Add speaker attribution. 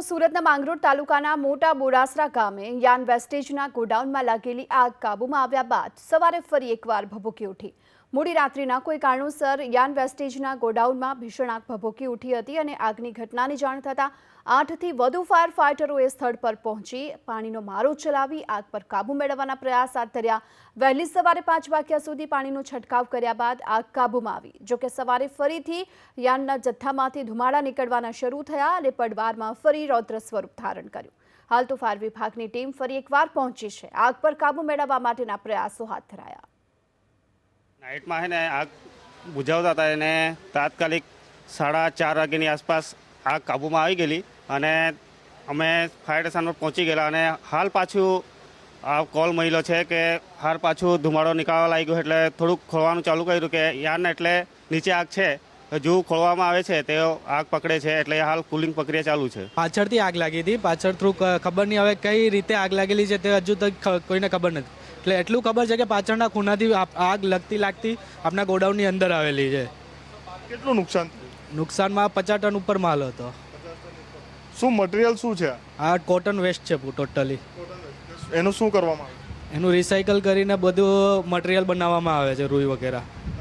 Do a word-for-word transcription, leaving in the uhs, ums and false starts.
Speaker 1: સુરતના માંગરોળ તાલુકાના મોટા બોરાસરા ગામે યાન વેસ્ટેજના ગોડાઉનમાં લાગેલી આગ કાબૂમાં આવ્યા બાદ સવારે ફરી એકવાર ભભૂકી ઉઠી। મોડી રાત્રિના કોઈ કારણોસર યાન વેસ્ટેજના ગોડાઉનમાં ભીષણ આગ ભભૂકી ઉઠી હતી અને આગની ઘટનાની જાણ થતાં આઠથી વધુ ફાયર ફાઇટરોએ સ્થળ પર પહોંચી પાણીનો મારો ચલાવી આગ પર કાબૂ મેળવવાના પ્રયાસ હાથ ધર્યા। વહેલી સવારે પાંચ વાગ્યા સુધી પાણીનો છંટકાવ કર્યા બાદ આગ કાબૂમાં આવી। જોકે સવારે ફરીથી યાનના જથ્થામાંથી ધુમાડા નીકળવાના શરૂ થયા અને પડવારમાં ફરી રૌદ્ર સ્વરૂપ ધારણ કર્યું। હાલ તો ફાયર વિભાગની ટીમ ફરી એકવાર પહોંચી છે। આગ પર કાબૂ મેળવવા માટેના પ્રયાસો હાથ ધરાયા।
Speaker 2: नाइट में है ने आग बुझावता था ने तात्कालिक साढ़ा चार वाग्यानी आसपास आग काबू में आई गई अने अमे फायर स्टेशन पर पहुँची गया अने हाल पाछू आ कॉल मळ्यो छे के हाल पाछू धुमाड़ो निकाळवा लाग्यो एटले थोड़ुंक खोलवानुं चालू कर्युं के यान एटले नीचे आग छे हजू खोलवामां आवे छे ते आग पकड़े छे एटले हाल कूलिंग प्रक्रिया चालू छे।
Speaker 3: पाछळथी आग लागी हती पाछळ थ्रू खबर नहीं हवे कई रीते आग लागेली छे ते हजू तक कोईने खबर नथी એટલે એટલું ખબર છે કે પાછળના ખૂણાથી આગ લગતી લાગતી આપણા ગોડાઉનની અંદર આવેલી છે।
Speaker 4: કેટલું નુકસાન થયું?
Speaker 3: નુકસાનમાં પચાસ ટન ઉપર માલ હતો।
Speaker 4: શું મટીરિયલ શું છે?
Speaker 3: આ કોટન વેસ્ટ છે ટોટલી।
Speaker 4: એનું શું કરવામાં આવે?
Speaker 3: એનું રિસાયકલ કરીને બધું મટીરિયલ બનાવવામાં આવે છે રૂઈ વગેરે।